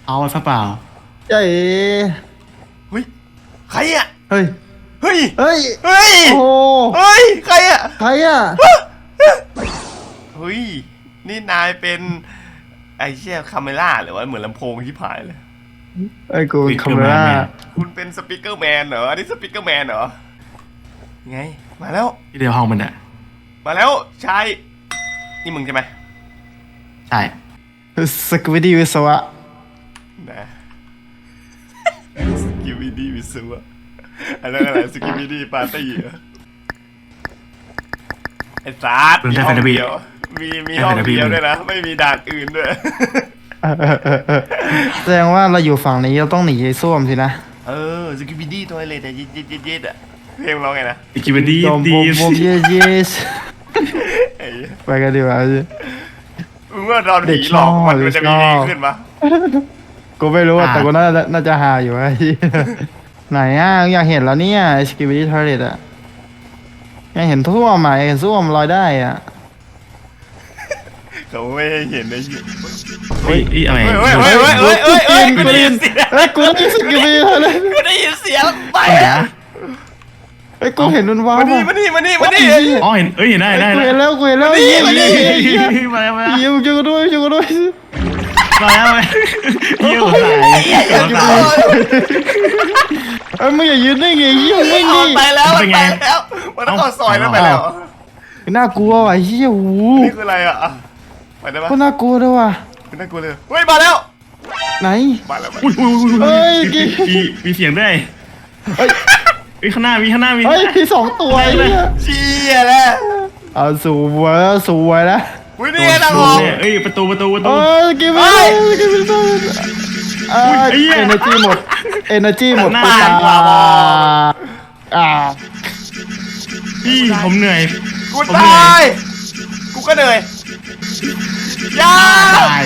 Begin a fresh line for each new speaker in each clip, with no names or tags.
เอาไว้เปล่า
เจ๊
เฮ้ยใครอ่ะ
เฮ้ย
เฮ้ย
เฮ้ย
เฮ้ย
โอ้
เฮ้ยใครอ่ะ
ใครอ่ะ
เฮ้ยนี่นายเป็นไอ้เชี่ยคาเมล่าหรือว่าเหมือนลำโพงที่ผายเลย
ไอ้กูคาเมร่า
คุณเป็นสปีกเกอร์แมนเหรออันนี้สปีกเกอร์แมนเหรอไงมาแล้ว
ที่เดียวห้องมันอะ
มาแล้วชายนี่มึงใช่ไหม
ใช่
สกิวิดี้วิศวะ
นะสกิวิดี้วิศวะอันนั้นอะไรสกิวิดี้ปาร์ตี้เหรอไอ้ซาร์มีห้องเดียวมีห้องเดียวด้วยนะไม่มีด่านอื่นด้วย
แสดงว่าเราอยู่ฝั่งนี้เราต้องหนีไอ้ส้วมสินะ
สกิวิดี้ตัวอะไรแต่ย็ดอ่ะเพลงร้องไงนะ
สกิปดี้
ดีบมเยสไปกันดีกว่า
มึงว่าตอนผีหลอกมันจะมีดีขึ้นปะ
กูไม่รู้แต่กูน่าจะหาอยู่ไอ้ไหนอ่ะอยากเห็นแล้วเนี่ยสกิปปี้ทอร์เรตอ่ะอยากเห็นท่วมอ่ะอยากเห็นท่วมลอยได้อ่ะ
เขาไม่ให้เห็นได้ยิน
เฮ้ยอะไร
กูได้ยินสกิปปี้ทอร์เรต
กูได้ยินเสียงไปอ่ะ
ไอ้กูเห็นมันว้าว
มานี่
อ๋อเห็นเห็นได้
กูเห็นแล้ว
มาแล้ว
ยิงช่วยกูด้วย
มาแล้วเยี่ยมสาย
มึงอย่ายืนได้ไงยิ่งไม่ดี
ไปแล้วมันต้องเข้าซอยแล้วไปแล้ว
น่ากลัวว่ะเฮียหู
นี่คืออะไรอ่ะไปได้ปะ
ก็น่ากลัวด้วยว่ะ
น่ากลัวเลยเฮ้ยมาแล้ว
ไหน
มาแล้ว
เฮ้ย
มีเสียงด้วยเฮ้ยข้างหน้ามี
เฮ้ยมี2ตัวเนี่ย
เชี่ยแล้ว
เอาสวยแล้ว
อุ้ยนี่ไงนะผม
เอ้ยประตู
กินไปเอเนจีหมดไป
พี่ผมเหนื่อย
กูตายกูก็เหนื่อยยา
ตาย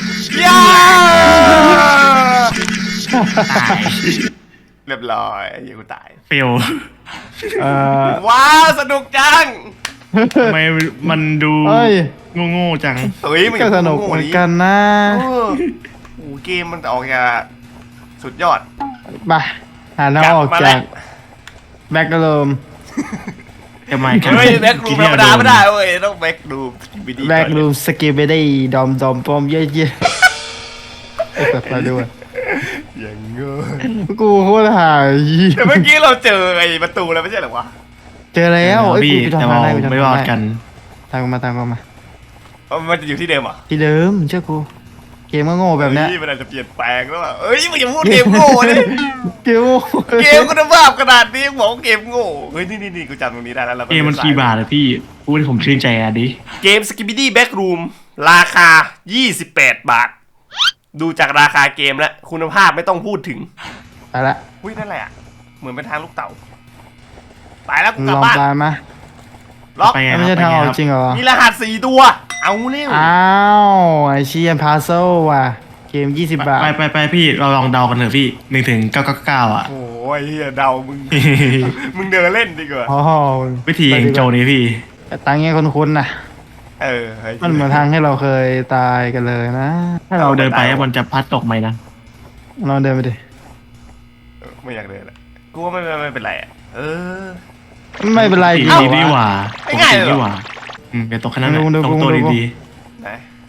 เรียบร้อยยังกูตาย
เฟล
ว้าวสนุกจัง
ทำไมมันดูโง่จัง
เฮ้ยมัน
ก็สนุกเหมือนกันนะ
โอ้เกมมันออกจะสุดยอด
ไปหาน้าออกจากแบ็กรูม
ทำไม
เฮ้ยแบ็กรูมธรรมดาไม่ได้เว้ยต้องแบ็กรูม
สกิปปี้ดอมปอมเย่ไอ้สัตว์มาด้วย
อย่างเงี้ย
กูโคตรหาย
แต่เมื่อกี้เราเจอไอ้ประตูแล้วไม่ใช่หรอวะ
เจอแล้ว
พี่แต่เราไม่รอดกัน
ตามมา
มันจะอยู่ที่เดิมอ่ะ
ที่เดิมเชื่อกูเกมก็โง่แบบนี้
มันอาจจะเปลี่ยนแปลงแล้วอ่ะเอ้ยมึงอย่าพูดเกมโง่เลย
เก
มคุณภาพขนาดนี้บอกเกมโง่เฮ้ยนี่กูจำตรงนี้ได้แล้ว
เกมมันกี่บาทอะพี่พูดให้ผมชื่นใจอ่ะดิ
เกม Skibidi Backroom ราคา28 บาทดูจากราคาเกมแล้วคุณภาพไม่ต้องพูดถึง
ไปละ
อุ้ยนั่นแหละเหมือนเป็นทางลูกเต่าไปแล้วกูกลับบ้าน
มา
ล็อก
ไม่ใช่ทางออกจริงเหรอ
มีรหัส4 ตัวเอาเร็ว
อ้าวไอเชียนพาโซว่ะเกม20 บาท
ไปพี่เราลองเดากันเถอะพี่1 ถึง 999อ่ะ
โอ้ยเฮียเดามึงเดินเล่นดีกว่า
วิธีโจนี้พี่
ตังเงี้ยคุ้นๆนะมันเหมือนทางให้เราเคยตายกันเลยนะ
ถ้าเราเดินไปมันจะพัดตกไหมนะ
เราเดินไปดิ
ไม่อยากเดินละกูว่าไม่เป็นไรอ่ะ
ไม่เป็นไร
ดีกว่าง่ายดีกว่าเป็นตกขนาดนั้นตรงตัวดี
ไหน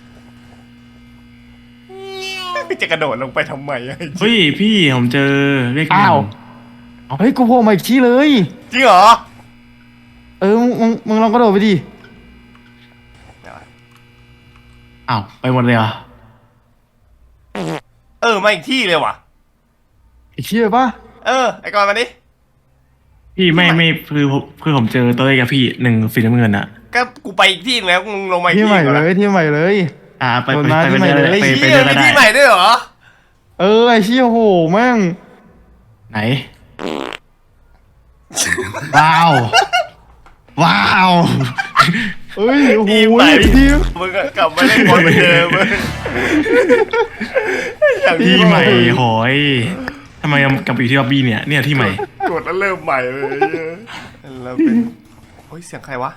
จะกระโดดลงไปทำไม
เฮ้ยพี่ผมเจอเรียก
เฮ้ยกูโผล่มาอีกที่เลย
จริงเหรอ
มึงลองกระโดดไปดิ
อ้าวไปหมดเลยอ่ะ
มาอีกที่เลยว่ะ
อีกที่เลยปะ
ไอ้กอนมาดิ
พี่ไม่คือผมเจอตัวเลขกับพี่1 สีน้ำเงินอ่ะ
ก็กูไปอีกที่แล้วมึงลงมาอีก
ที่ใหม่เลยที่ใหม่เลย
ไปที่ใหม่เลย
ไปที่ใหม่ด้วยเหรอ
ไอ้เชี่ยโหแม่ง
ไหนว้าว
เฮ้ยโอ้โห
ที่มึงกลับมาเล่นบอลเหมือนเดิม
ที่ใหม่โหยทำไมกลับไปที่ล็อบบี้เนี่ยที่ใหม่
กดแล้วเริ่มใหม่เลยแล้วเป็นโอ้ยเสียงใครวะ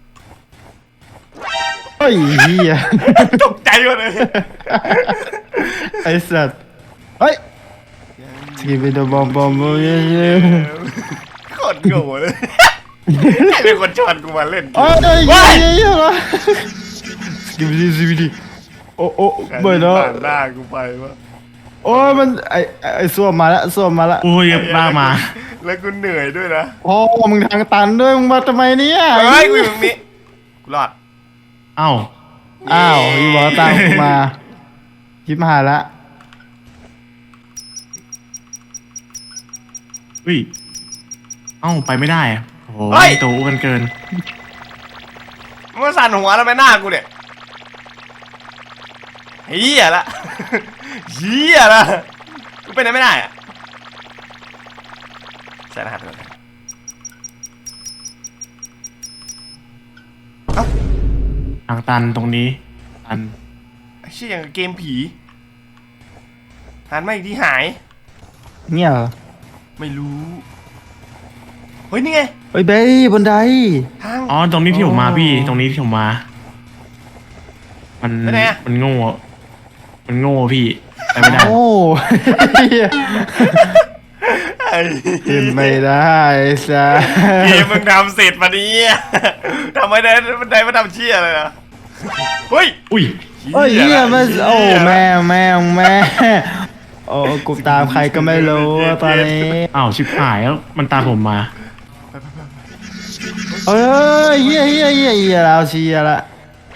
เฮ้ยเฮีย
ตกใจหมดเลย
ไอ้สัตว์เฮ้ยสกิปไปตัวบอมเย้
โคตรโง่เลยใครเป็นคนชวนกูมาเล่น
โอ้ยเย้เหรอสกิปไปดิโอ้ไม่เนาะ
ผ่านหน้ากูไปวะ
โอ้ยมันไอ้ส้วมมาละ
โอ้ยบ้ามา
แล้วกูเหนื่อยด้วยนะ
โอ้มึงทางตันด้วยมึงมาทำไมเนี่ย
เฮ้ยกูอยู่ตรงนี้กูรอด
เอ้า
อ้าวพี่บอกตามกูมายิบหายละ
อุ้ยเอ้าไปไม่ได้อะโอ้โหโตกันเกิน
มึงมาสั่นหัวแล้วไปหน้ากูเนี่ยเฮียละเฮียละกูไปไหนไม่ได้อะใส่รหัสไปเลยเอ้า
ทางตันตรงนี้ตัน
ไอ้เชี่ยอย่างกับเกมผีหันมาอีกทีหาย
เนี่ยเหรอ
ไม่รู้เฮ้ยนี่ไง
เฮ้ยเบ้บนได
ทาง
อ๋อตรงนี้ที่ผมมาพี่ตรงนี้ที่ผมมา มัน
ไปไหนอะ
มันโง่พี่ไปไม่ได้
โอ้
ไอ้
ขึ้นไม่ได้ซะ
เกมมึงทำเสร็จมานี้ทำไมได้มันได้มาทำเชี่ยเลยนะเฮ้ย
อุ้ย
เฮ้ยเฮียมันโอ้แม่โอ้กูตามใครก็ไม่รู้ตอนนี้
อ้าวชิบหายแล้วมันตามผมมา
เอ้ยเฮียเราเชียละ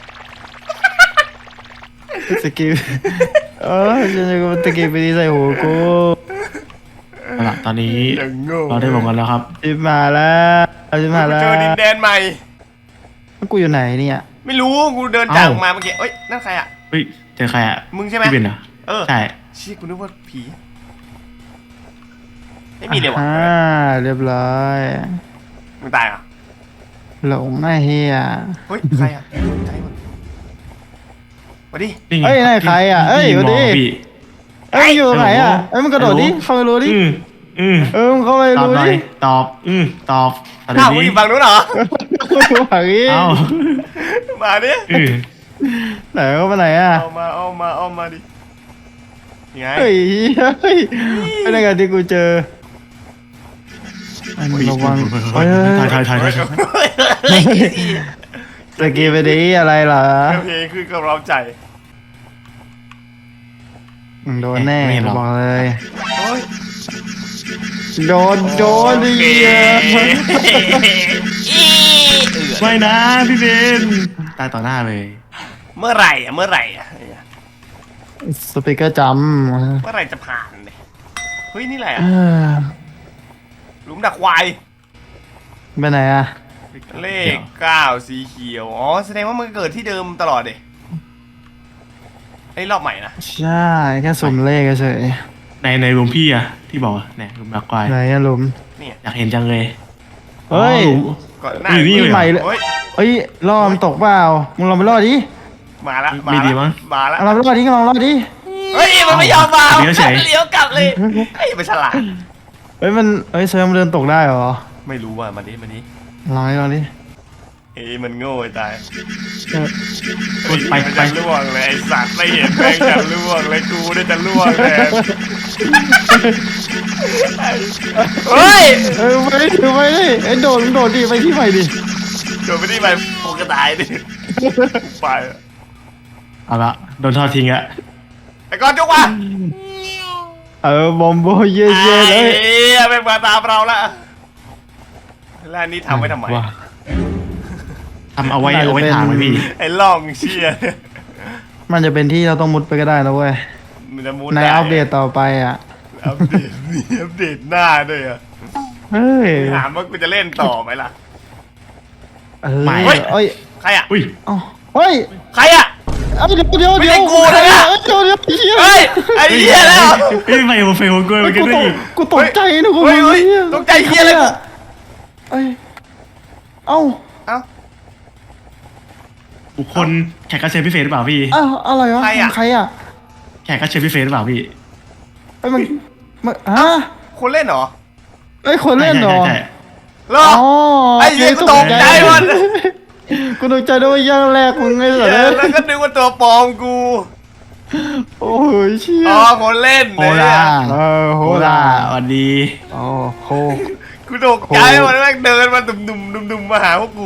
สกิลฉันจะกูสกิลไปดีใส่หัวกู
เอาล่ะตอนนี้
อย่างโง่
เราได้บอกกันแล้วครับ
จิบมาแล้วจิบมา
กู
แล้ว
เจอดินแดนใหม่
กูอยู่ไหนเนี่ย
ไม่รู้กูเดินจากมาเมื่อกี้เอ้ยนั่นใครอ่ะ
เฮ้ยเจอใครอ่ะ
มึงใช่ไหม
พี่เบนเหรอ
เออ
ใช่
เชี่ยกูนึกว่าผีไม่มีเลยวะ
เรียบร้อย
มึงตายเหรอ่ะ
หลงไอ้เฮีย
เฮ้ยใครอ่ะใจหมดมาดิ
นี่ไง
เอ้ยนั่นใครอ่ะเอ้ย
พี่
สวัส
ม
ดี
องพี่
เอ้ยอยู่ไหนอ่ะเอ้ยมึงกระโดดดิ
ฮัลโหล
เข้าไปรู้ดิ มึงเข้าไป
ตอบ
รู้
หน่อ
ดิ
ยตอบตอบตอบ
อ้าว
ดี
มึงอยู่ฝั่งนู้นเหรอ
ฝั่งนี้
เอ้า
มาดิ
ไหนเข้าไปไหนอ่ะ
เอามาดิยังไง
เฮ้ยเป็นยังไงที่กูเจออันระวังเฮ้ย
ถ่าย
สกีไปดิอะไรเหรอ
เพลงคือกำลังใจ
โดนแน่บอกเลย
โอ้ย
โดนดิ
โอเค
ไม่นะพี่เบนตายต่อหน้าเลย
เมื่อไหร่อ่ะ
สปีกเกอร์จ
เมื่อไหร่จะผ่านเนี่ยเฮ้ยนี่แหละ
ำ
หลุมดักควาย
ไปไหนอ่ะ
เลข9สีเขียวอ๋อแสดงว่ามันเกิดที่เดิมตลอดเลยไอ้รอบใหม่นะ
ใช่แค่สุ่มเลขเฉย
ในรูมพี่อะที่บอกเนี่ยรูมดักควาย
ไหนอะหลุม
เนี่ย
อยากเห็นจังเลย
เฮ้ย
ก่อนหน้า
นี่
นี่ใหม่เลย
เฮ้ย
เฮ้ยล่อมันตกเปล่ามึงลองไปล่อดิ
มาละ
ไม่ดีมั้ง
มาละ
เอาลองไปล่อดิลองล่อดิ
เฮ้ยมันไม่ยอมมา
เดี๋ยวเฉย
เลี้ยวกลับเลยไอ้ยมันฉลาด
เฮ้ยเซอร์มันเดินตกได้เหรอ
ไม่รู้ว่ามาดิ
ลองดิ
เฮ้ยมันโง่ไอ้ตาย
ไป
มันจะล่วงเลยไอ้สัตว์ไม่เห็นแม่งจะล่วงเลยกูได้จะล่วงแทนเฮ้ย
ไปดิไอ้โดดดิไปที่ใหม่ดิ
โดนไปที่ไปโกระตายดิไป
เอาละโดนทอดทิ้งอะ
ไอ้ก้อนจุกว่ะ
บอมโบเย่เลย
ไอ้เหี้ยแม่งมาตามเราละแล้วอันนี้ทำไว้ทำไม
ว้า
ทำเอาไว้ถามไว้พี่
ไอ้ล่องเชี่ย
มันจะเป็นที่เราต้องมุดไปก็ได้นะเว้ย
มันจะมุด
ใน
ได้
อัปเดตต่อไปอ่ะ
อัปเดตมีอัปเดตหน้าด้วยอ่ะ
เฮ้ย
ถามว่ากูจะเล่นต่อไหมล่ะ
เอ้ย
ใครอ่ะ
อุ้ย
เฮ้ย
ใครอ่ะ
เดี๋ยว
ไม่ใช่กูนะเนี่ย
เดี๋ยว
เฮ้ยไอ้เหี้ยแล้ว
เฮ้ยไฟหัวไฟหัวกล้วยมันก็ได้อีก
กูตกใจนะกู
เฮ้ยตกใจเหี้ยเลยกู
เอ้ยเอ้า
เอ้า
บุคคลแขกรับเชิญพิเศษหรือเปล่าพี่
อ้าวอะไรวะ
ใครอะ
ใครอ่ะ
แขกรับเชิญพิเศษหรือเปล่าพี่
เอ้ยมันฮะ
คนเล่นเหรอ
เอ้ยคนเล่นเหรอ
ใช่
เหรอ
อ๋อ
ไอ้เหี้ยกูตกใจหมด
กูตกใจด้วยย่างแรกมึงไง
เอ
สัตว์
อแล้วก็นึกว่าตัวปลอมกู
โอ้ยเชี่ย
อ๋อคนเล่น
โฮ
เนี่ย
ล่า
เออโห
โฮ
ล่า
ล่าสวัสดี
โอ้โห
กูตกใจหมดแม่งเดินมาดุมมาหาพวกกู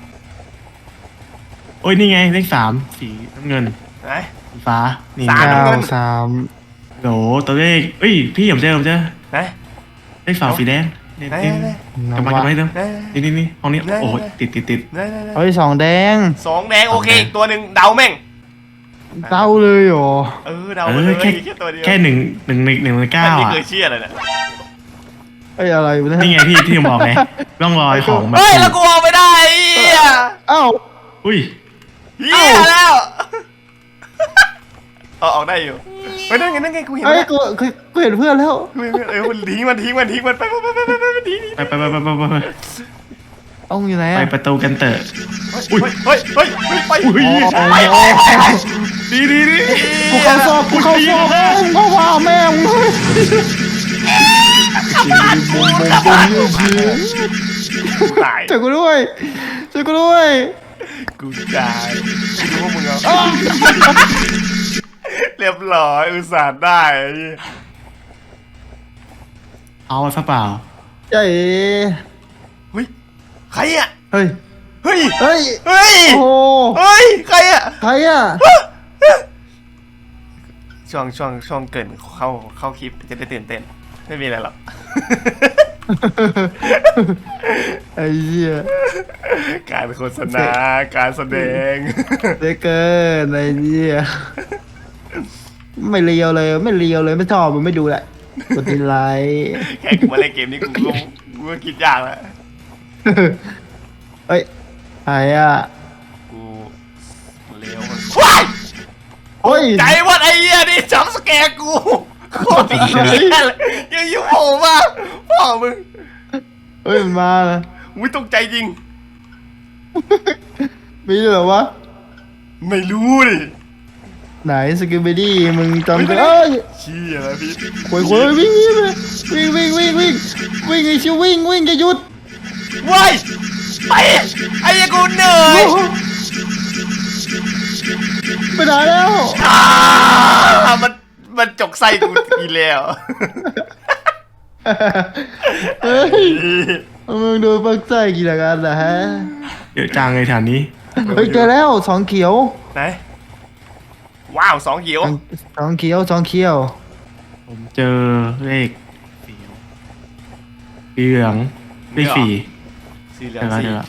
โอ้ยนี่ไงเลข3สีน้ำเงิน
ไหน
สีฟ้านี่
สาม
เก้า
น้ำเงิน
สาม
โหตัวเลขเอ้ยพี่ผมเจอ
ไหน
เลข2สีแดงนี่
ไหน
นี่
ไหน
กลับมากลับมาให้ดู
ไหน
นี่ห้องนี้
ได้
โอ้ย
ได้
ติด
ไหนไหน
เฮ้ยสองแดง
สองแดงโอเคอีกตัวหนึ่งเดาแม่ง
เต้าเลยเหรอ
เดาไปเลยแค่ตัวเดียว
แค่หนึ่งในเก้า
อันนี้
อ่ะ
เคยเชื่อเลยนะ
เอ้ยอะไรวะ
นี่
เนี่ย
ไงพี่ที่ผมบอกไงร่องรอยของแบบ
เฮ้ยแล้วกูเอาไม่ได้เฮีย
เอ้า
อุ้ย
เฮียแล้วออกได้อยู่เฮ้ยนั่นไงกูเห็น
เอ้ย
แล้ว
กูเห็นเพื่อนแล้ว
มันทิ้งมันไปทิ้งมันดี
ไป
ต้องอยู่ไหน
ไป
อะ
ประตูกันเตอะ
เฮ้ยไป
อุ้ย ดี
กูเข้าซอกกูเข้าซอกมึงก็ว่าแม่งเลย
ตาย
ช่วยกูด้วยช่วยกูด้วย
กูตายกูรู้ว่ามึงเอาเรียบร้อยอุตส่าห์ได้
เอาซะเปล่า
เจ๊
เฮ้ยใครอ่ะ
เฮ้ย
เฮ้ย
เฮ้ย
เฮ้ย
โอ้
เฮ้ยใครอ่ะ
ใครอ่ะ
ช่วงเกินเข้าคลิปจะได้ตื่นเต้นไม่มีอะไรหรอก
ไอ้เหี้ย
การโฆษณาการแสดง
เด็กเกินไอ้เหี้ยไม่เลียวเลยไม่ชอบมันไม่ดูแหละกดติไลค์
แค่กูมาเล่นเกมนี้กูก็คิดยากแล้ว
เฮ้ยใครอ่ะ
กูเลี้ยวมันว้าย
โอ้ย
ใจวัดไอ้เหี้ยนี่จับสแกร์กูโคตรดีเลยยังยุ่งโผล่มาพ่อมึง
เฮ้ยมันมาเลย
อุ้ยตกใจจริง
มีด้วยเหรอวะ
ไม่รู้ดิ
ไหนสกิปดี้มึงจำกันเอ้ย
เชี่ยแล้วพี่
โวยวิ่งไอ้ชิววิ่งจะหยุด
ว้ายไปไอ้เหี้ยกูเหนื่อย
ไปไหนแล้ว
มันจกไส้กูอีแล้ว
เฮ้ยมึงโดนปักไส้กี่ละกันนะฮะ
เยอะจังเลยแถวนี้
เฮ้ยเจอแล้วสองเขียว
ไหนว้าว2เขียว
สองเขียว
ผมเจอเลขสีเหลืองเลขสี่
สีเหลือ
เจ
ง
อแล้ว
สี
เจอแล้ว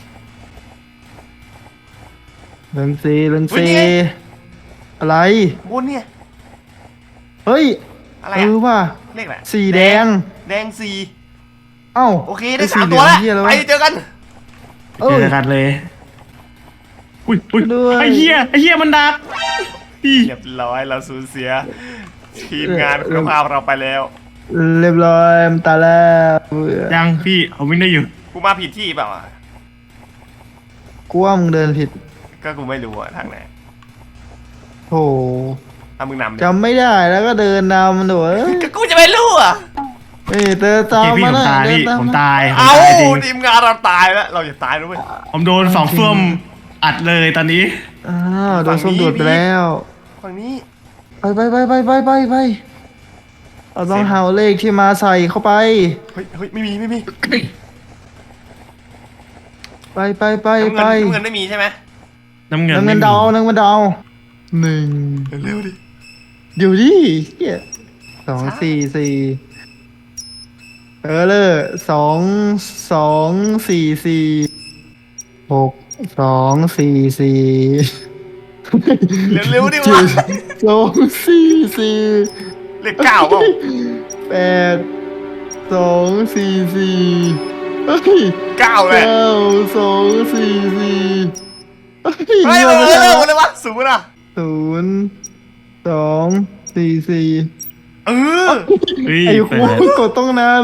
เรื่องซีอะไร
บนเนี่ย
เฮ้ย
อะไร
เอ
อะ
อว่ะ
เลขอะไร
สีแดง
แดงสี
เอ้า
โอเคได้
อ้
3 ตัวแล้ว
เหี้ยอะไร
ไป
วะ
เจอกัน
เอ้
เจอกันเลยอุ้ย
ด้วย
ไอ้เหี้ยมันดักพี่
เรียบร้อยเราสูญเสีย ทีมงานคุณภาพเราไปแล้ว
เรียบร้อยมันตายแล้วเบื่อ
ยังพี่ผมวิ่งได้อยู่
กูมาผิดที่เปล่าอะ
กูว่ามึงเดินผิด
ก็กูไม่รู้อะทางไหน
โถ
ถ้ามึงนำดิ
จำไม่ได้แล้วก็เดินนำหนูเอ้ย
ก็กูจะไม่รู้อะ
เฮ้ยเดินตาม
พี่
มา
ผม
นะ
ตาย
เดิน
พี่
ตาม
ผม
มา
ตาย
เอา
จริง
ทีมงานเราตายแล้วเราอย่าตายด้วย
ผมโดนสองเฟื่อมอัดเลยตอนนี้
อ้าวโดนส้มดูดไปแล้ว
ฝั่งนี้
ไปเราต้องหาเลขที่มาใส่เข้าไป
เฮ้ยไม่มี
ไป
น้ำเงินไม่มีใช่ไหม
น้ำเงิน
น้ำเงิน
ไม่มี
ดาวน้ำเงินดาวหนึ่ง
เร็วดิ
เดี๋ยวดิเฮีย2 4 4เลย2 4 4 6 2 4 4
เร็วดิวะ
2 4 4
เลข9เปล่า
8 2 4 4เฮ้ย
9เลย
9 2 4 4
เฮ้ยเร็วเลยวะสูงนะ
0 2 4 4
เออ
เฮ้ย
ไอ้
เปิ
คู
ด
กดต้องนาน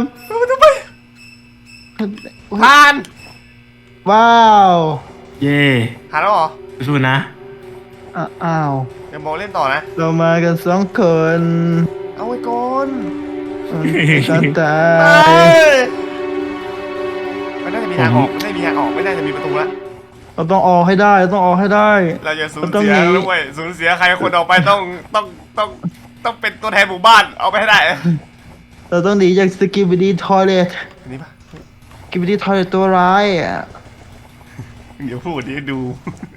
ผ่าน
ว้าว
เย่
ผ่านแล้วเหรอ
สู้ๆนะ
อ้าว
เดี๋ยวโมเล่นต่อนะ
เรามากัน2 คน
เอาไว้ก่อน
ฉันตา
ไป
ย
มันน่าจะมีทางออกไม่ได้มีทางออกไม่น่าจะมีประตูแล้ว
เราต้องออกให้ได้เราต้องออกให้ได้
เราจะสูญ
เราต้อง
เสีย
หนี
ด้วยสูญเสียใครคนออกไปต้องเป็นตัวแทนหมู่บ้านเอาไปให้ได้
เราต้องหนีจากสกิบิดี้ทอยเลท
อันนี้ปะ
สกิบิดี้ทอยเลทตัวร้ายอ่ะ
เดี๋ยวพูดดิดู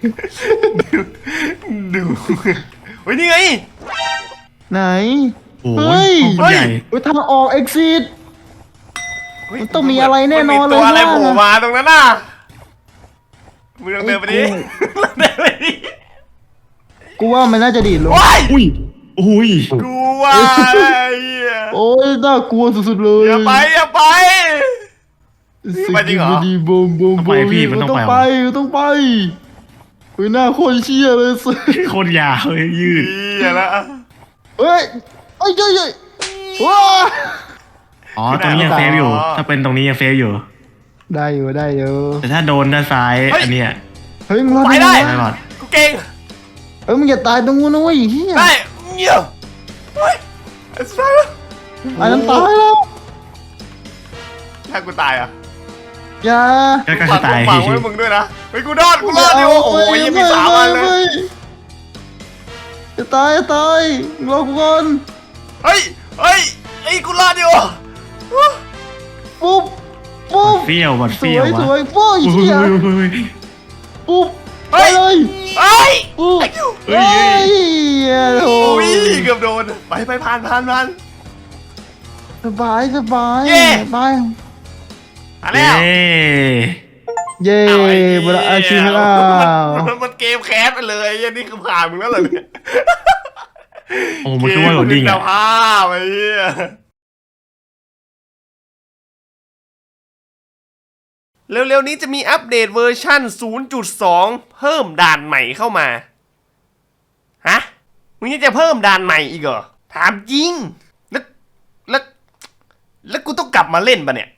ดูเฮ้ยนี่ไง
ไหน
โอ้
เฮ้
ย
ย
ห้องคนใหญ่
เฮ้ยทางออก exit
เฮ้ย
มันต้องมีอะไรแน่นอน
มัมีตัวอะไร
เลยว่า
โผล่มาตรงนั้นน่ะมึงลองเดินไปดิลองเดินไปดิ
กูว่ามันน่าจะดีดลง
โอ้ย
อุ้ยอุ้ย
กูว่าอะไรอ่ะ
โอ้ยน่ากลัวสุดๆเลย
อย่าไปอย่าไป ไปจริงเหรอ
สกิบิดี้บูมบูม
ต้องไปพี่มันต้องไป
ต้องไปเฮ้ยหน้าโคตรเชี่ยเลยสิ
โคตรยาวเลยยืด
เหี้ยละ
เฮ้ยเอ้ยเฮ้ยว้า
อ๋อตรงนี้ยังเซฟอยู่ ถ้าเป็นตรงนี้ยังเซฟอยู่
ได้อยู่ได้อยู่
แต่ถ้าโดนด้านซ้ายอันเนี้ย
เฮ้ยมึงรอ
ไปได้
ไม่รอด
กูเก่ง
เฮ้ยมึงอย่าตายตรงนู้นนะเว้ยเฮีย
ได้เงี้ยเฮ้ยไอ้สัส
ไอ้นั้นตายแล้ว
ถ้ากูตายอ่ะ
อย่า
ก็คือตาย
ฝากไว้มึงด้วยนะเฮ้ยกูรอดดิโอ้โหยังมี3 อันเลย
จะตายจะตายรอกูก่อน
เฮ้ยกูรอดดิโอ
ปุ๊บปุ๊บ
เปรี้ยวบัด
ส
เปรี้ยว
วยส
วะ
วยปุ๊บ
อุ้ย
เฮีย
อุ้ย
ปุ๊บไป
เฮ้ย
เลย
เฮ้ย
ปุ๊บ
เฮ้
เฮ้
ย
ยโอ้
โอ้ย
ย
เกือบโดนไปผ่าน
สบายสบาย
เย้
ไป
มาแล้ว
เย้
เย่
เอาไอ้
บราอาชีพแล้ว
มันเกมแคสไปเลยไอ้นี่คือผ่านมึงแล้วเหรอเนี่ย
โอ้มันคือว่าโหลดดิ้ง
เกม
อ่ะ
คุณภาพไอ้เหี้ยเร็วๆนี้จะมีอัปเดตเวอร์ชั่น 0.2 เพิ่มด่านใหม่เข้ามา ฮะ มึงยังจะเพิ่มด่านใหม่อีกเหรอ ถามจริง แล้วกูต้องกลับมาเล่นปะเนี่ย